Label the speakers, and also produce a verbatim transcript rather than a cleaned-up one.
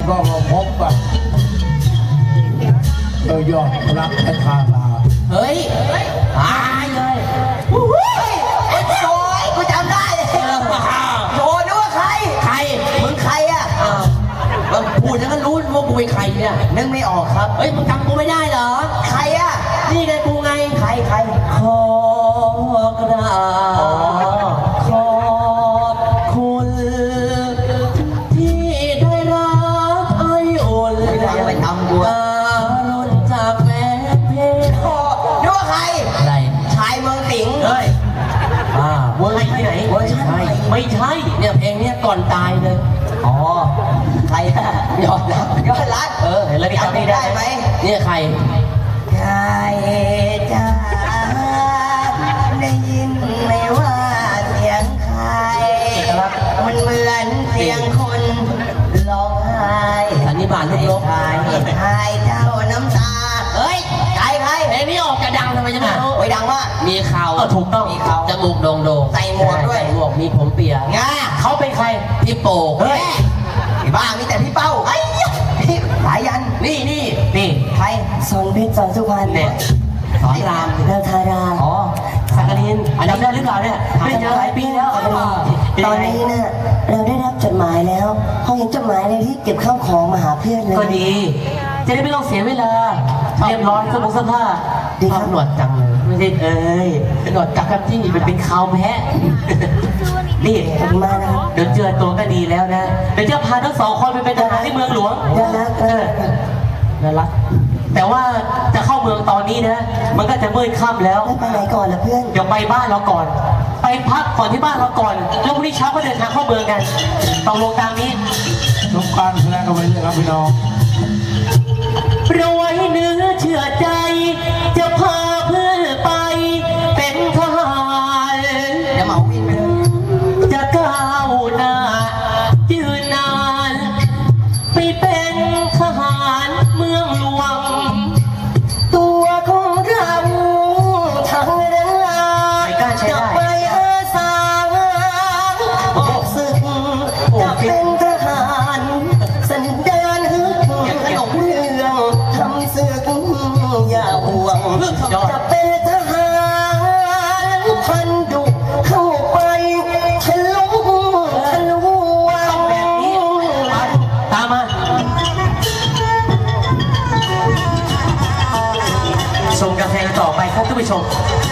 Speaker 1: ก็มาพบแบบเออยอดรักและคารา
Speaker 2: เฮ้ยตายเลย
Speaker 3: ไอ้โจยกูจำได้โจนึกว่าใคร
Speaker 2: ใคร
Speaker 3: มึงใครอ่ะ
Speaker 2: เราพูดแล้วก็รู้ว่ากูเป็นใครเนี่ย
Speaker 3: นึกไม่ออกครับ
Speaker 2: เฮ้ยมึงจำกูไม่ได้เหรอ
Speaker 3: ใครอ่ะ
Speaker 2: นี่ไงกูไง
Speaker 3: ใครใคร
Speaker 2: ขอกราบขอบคุณที่ได้รับไออุ่น
Speaker 3: ไปทำกู
Speaker 2: การุณจากแม่เพล
Speaker 3: โอ้นึกว่าใคร
Speaker 2: อะไร
Speaker 3: ชายเมืองสิงห์
Speaker 2: เฮ้ยอ่าเวอร์ที่ไหน
Speaker 3: เวอร์ชันใหม่
Speaker 2: ไม่ใช่เนี่ยเพลงเนี้ยก่อนตายเลย
Speaker 3: อ๋อใครอะยอดรักยอดรัก
Speaker 2: เออเห็นแล้วจำไม่ได้ไหมเนี่ยใคร
Speaker 3: ใครจะได้ยินไหมว่าเสียงใครมันเหมือนเสียงคนร้องไห้
Speaker 2: สันนิบาตลูกลบ
Speaker 3: ใครใครเจ้าน้ำตาเฮ้ยใครใคร
Speaker 2: เพลงนี้ออกจะดังทำไมจะไม่รู้
Speaker 3: โอ้ยดังมาก
Speaker 2: มีเขาถูกต้อง
Speaker 3: มีเขา
Speaker 2: จมูกโด่งโด่ง
Speaker 3: ใส่หมวกด้วย
Speaker 2: หมวกมีผมเปีย
Speaker 3: ง่า
Speaker 2: เขาเป็นใครพี่โป่
Speaker 3: เฮ้ยบ้ามีแต่พี่เป้าไอ้พี่สายยัน
Speaker 2: นี่นี่นี่
Speaker 3: ใครสอนเพชรสอนสุพรรณ
Speaker 2: เนี่ยสอนราม
Speaker 3: เดาทารา
Speaker 2: อ๋อสักกะลินอันนี้ได้หรือเปล่าเนี่ยไม่เจอหลายปีแล้ว
Speaker 3: ตอนนี้เนี่ยเราได้รับจดหมายแล้วพอเห็นจดหมายเลยที่เก็บข้าวของมาหาเพื่อนเลย
Speaker 2: ก็ดีจะได้ไม่ต้องเสียเวลาเรียบร้อยเสื้อผ้าเสื้อผ้าดีครับหนวดจังเลยไม่ใช่เอ้ยหนวดจักรจี้เป็นเป็นคาวแพะนี่
Speaker 3: มานะ
Speaker 2: เดี๋ยวเจอตัวก็ดีแล้วนะเดี๋ยวจะพาทั้งสองคนไปเป็นทหารที่เมืองหลวง
Speaker 3: น่ารักเออ
Speaker 2: น่ารักแต่ว่าจะเข้าเมืองตอนนี้นะมันก็จะมืดค่ำแล้ว
Speaker 3: ไปไหนก่อนล่ะเพื่อน
Speaker 2: เดี๋ยวไปบ้านเราก่อนไปพักก่อนที่บ้านเราก่อนแล้วพรุ่งนี้เช้าก็เดินทางเข้าเมืองกันตกลงตามนี้
Speaker 1: ทุกการแสดงกันไปเลยครับพี่น้อง
Speaker 2: รวยเนื้อเชื่อใจจะพาเพื่อนไปเป็นทหาร
Speaker 3: จะเหมาวินไปเลย
Speaker 2: จะก้าวหน้ายืนนานไปเป็นทหารเมืองหลวง
Speaker 3: ตัวของเราทั้งเรือจะไปอาสาออกศึกจะเป็นทหารสันดานฮึกขนมเรื่องทำศึกอย่าห่วงจะเป็นทหารพันดุเข้าไปทะลุทะลวง
Speaker 2: แบบนี้ตามมาชมกาแฟต่อไปครับท่านผู้ชม